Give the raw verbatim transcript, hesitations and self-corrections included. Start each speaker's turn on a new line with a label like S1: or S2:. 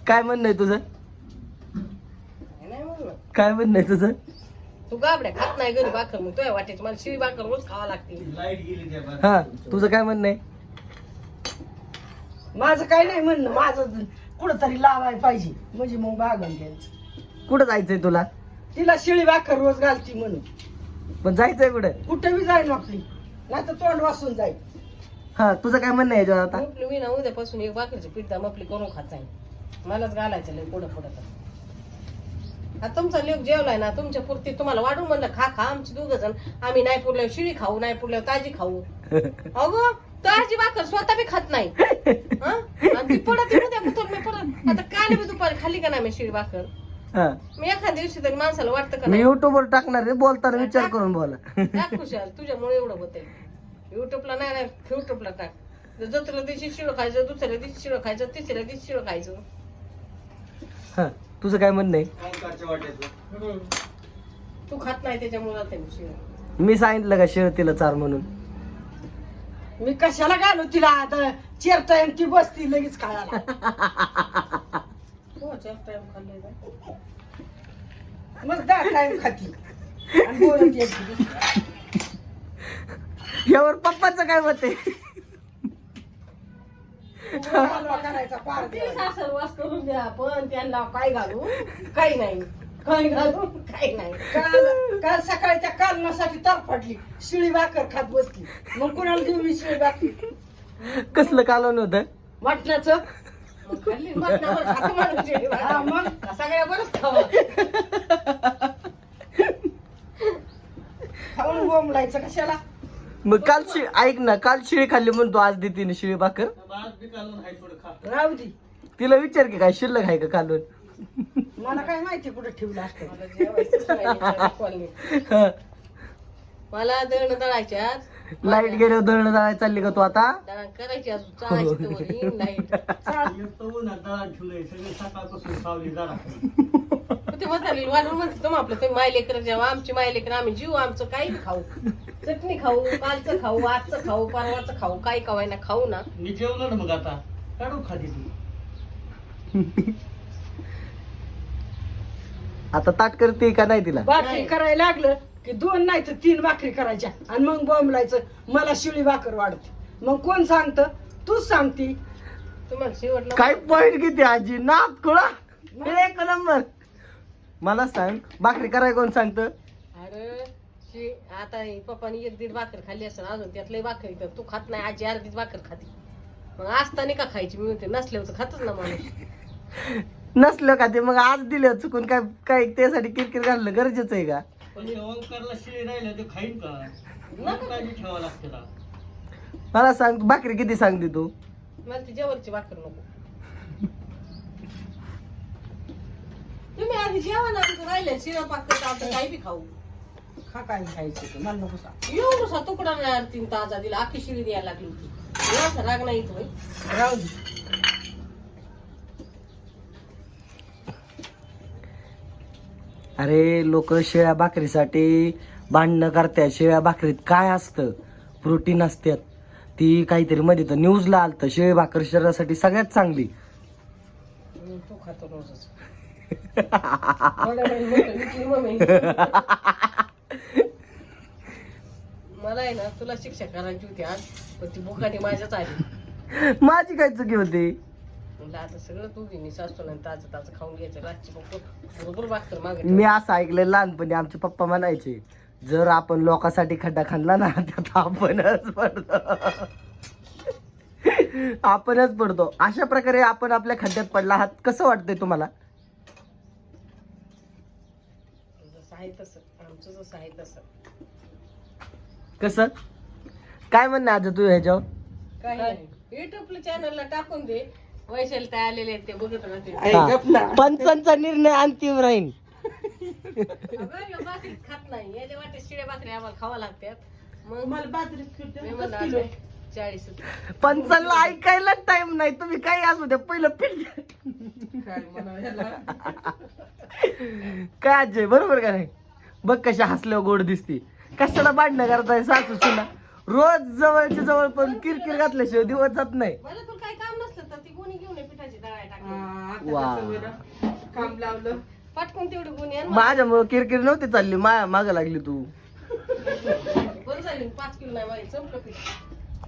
S1: काय म्हणणं आहे तुझं?
S2: नाही म्हणलं
S1: काय म्हणणं आहे तुझं?
S2: तू गाबड्या खात नाही घरी भाकर मग तुझ्या वाटेची मला शिळी भाकर रोज खावा लागते.
S1: हा तुझं काय म्हणणं आहे?
S3: माझं काय नाही म्हणणं, माझं कुठंतरी लावायला पाहिजे म्हणजे मग बागन घ्यायचं.
S1: कुठं जायचंय तुला?
S3: तिला शिळी भाकर रोज घालती म्हणून.
S1: पण जायचंय कुठं?
S3: कुठं बी जाईल आपली, नाही तर तोंड वासून जाईल.
S1: हा तुझं काय म्हणणं आहे याच्यावर आता?
S2: म्हटलं मी ना उद्यापासून एक भाकरीची पिठा मपली करून खात जाईल. मलाच घालायचं लय पुढं पुढं तर. आता तुमचा लेक जेवलाय ना तुमच्या पुरती तुम्हाला वाढून म्हणलं खा खा. आमची दोघ जण आम्ही नाही पुरल्यावर शिळी खाऊ नाही पुरल्यावर ताजी खाऊ. अगो ताजी भाकर स्वतः बी खात नाही हं? आणि ती पडत उद्या पुतर मी पडत आता काल बी दुपारी खाल्ली का नाही मी शिळी भाकर.
S1: हा
S2: मी एखाद्या दिवशी तरी माणसाला वाटतं का
S1: मी
S2: नाही
S1: युट्यूबवर टाकणार आहे, बोलताना विचार करून बोला.
S2: टाक खुशाल तुझ्यामुळे एवढं होतंय. युट्यूबला नाही नाही युट्यूबला टाक. जत्रेला दिवशी शिळ खायचं, दुसऱ्या दिवशी शिळ खायचं, तिसऱ्या दिवशी शिळ खायचं.
S1: हा तुझं काय म्हणणं आहे?
S2: हम्म. तू खात नाही त्याच्यामुळे जाते मी शिळ.
S1: मी सांगितलं का शिळतीला चार म्हणून?
S3: मी कशाला घालू तिला आता चार टाइम ती बसती लगेच खायला.
S2: हो चार टाइम खाल्ले का?
S3: मग दहा टाइम खाती आणि बोलत येते.
S1: यावर पप्पाचं काय मत आहे?
S3: हलवा करायचा पार
S2: ते
S3: द्यायचा.
S2: सासर वास करून द्या पण त्यांना काय घालू काही नाही काय घालू काही नाही.
S3: काल काल सकाळी त्या कालनासाठी तर पडली शिळी भाकर खात बसली. मग कुणाला देऊ मी शिळी भाकर?
S1: कसलं कालवण होतं?
S3: मटणाचं.
S2: मग खाल्ली मटणावर खातो माणूस शिळी भाकर.
S3: हा, मग?
S2: सगळ्या बरंच खावं.
S3: खाऊन बोंबलायचं कशाला?
S1: मग काल शिळ ऐक ना, काल शिळी खाल्ली म्हणतो आज देते ना शिळी भाकर.
S3: राहू दे.
S1: तिला विचार की काय शिल्लक आहे का कालवण?
S3: मला काय माहिती कुठे ठेवलं असतं.
S2: मला जेवायचंच नाही, दाखवायला नाही.
S1: हा.
S2: मला दळण दळायच्यात
S1: लाईट गेल्यावर दळण दळायला चालली का तू आता?
S2: दळण करायची अजून चाळायची तर येईन लाईट. ते म्हातारी वाढून म्हणते तुम्ही आपलं तुम्ही मायलेकर जेव्हा आमची मायलेकर आम्ही जीव आमचं काही खाऊ. चटणी खाऊ, कालचं खाऊ, आजचं खाऊ, परवाचं खाऊ, काही खावाय ना खाऊ ना.
S4: मी जेवलो ना मग आता काढू खाली तू.
S1: आता ताट करते का नाही तिला?
S3: भाकरी
S2: नाही.
S3: करायला लागलं की दोन नाही तर तीन भाकरी करायच्या आणि मग बोंबलायचं मला शिळी भाकर वाढते. मग कोण सांगत? तूच सांगती.
S2: तुम्हाला शेवटला
S1: काय पॉइंट किती आजी नात खुळा एक नंबर. मला सांग भाकरी कराय कोण सांगत?
S2: अरे शी आता हे पप्पानी एक दीड भाकर खाल्ली असेल अजून त्यातलं भाकरी तर तू खात नाही आजी अर्धीच भाकर खाती. मग असताना का खायची मी म्हणते नसल्यावर तर खातच ना माणूस.
S1: नसलं का ते मग आज दिलं चुकून काय काय त्यासाठी किरकिर घालणं गरजेचं आहे का?
S4: पण ते ओंकारला शिळे राहिलं ते खाईन का?
S2: नका.
S4: काळजी ठेवावं लागते ना.
S1: मला सांग भाकरी किती सांगते तू?
S2: मला ती जेवरची भाकर नको. तुम्ही आधी जेवण आमचं राहिलं शिरा पाकर आपण काही बी खाऊ.
S3: खा काय खायचं ते, मला नको सांग.
S2: येऊ नुसा तुकडा नाही तीन ताजा दिला आखी शिळी द्यायला लागली होती. एवढा राग नाही येतो बाई.
S3: राहू दे.
S1: अरे लोक शेळ्या भाकरीसाठी भांडणं करतात. शेळ्या भाकरीत काय असतं? प्रोटीन असतात. ती काहीतरी मध्ये तर न्यूजला आलतं शेळी भाकर शरीरासाठी सगळ्यात चांगली.
S2: हम्म, तू खातो रोजच. थोड्या वेळाने मोठं विकली मम्मी. मला आहे ना तुला शिक्षा करायची होती आज पण ती बुकाटी माझ्याच आली.
S1: माझी काय चुकी होती?
S2: म्हणलं आता सगळं तू घेणे सासू नाही ताजं ताजं खाऊन घ्यायचं रातची बघ बरोबर भाकर मागे
S1: मी असं ऐकलं लहानपणी आमचे पप्पा म्हणायचे जर आपण लोकांसाठी खड्डा खाल्ला ना त्यात आपणच पडतो. आपणच पडतो. अशा प्रकारे आपण आपल्या खड्ड्यात पडला आहात. कसं वाटतंय तुम्हाला?
S2: जसं आहे तसं आमचं जसं आहे तसं.
S1: कसं काय म्हणणं आज तू ह्याच्यावर?
S2: काही नाही युट्यूबला चॅनलला टाकून दे. वैशाली काय आलेले आहेत ते बघत राहते.
S3: आई गप ना.
S1: पंचांचा निर्णय अंतिम राहील.
S2: अगं, या भाकरीत खात नाही याच्या वाटे शिळ्या भाकरी आम्हाला खावा लागतात. मग
S3: मला बाजरी
S2: मी म्हणलं आता चाळीस
S1: पंचांना ऐकायला टाइम नाही. तुम्ही काही असू द्या पहिलं पीठ
S3: काय म्हणावं ह्याला?
S1: काय आजय बरोबर का नाही? बघ कशा हसल्यावर गोड दिसते. कशाला भांडणं करताय सासू सुना? रोज जवळच्या जवळ पण किरकिर घातल्याशिवाय दिवस जात नाही.
S2: मला तुला काही काम नसलं तर ती कोणी घेऊन ये पिठाची दळाय टाक.
S1: वा
S3: काम लावलं
S2: पटकन तेवढी गुन्हे आण.
S1: माझ्यामुळे किरकिर नव्हती चालली माया माग लागली तू
S2: बरं झाली पाच किलो नाही माझी संपलं पीठ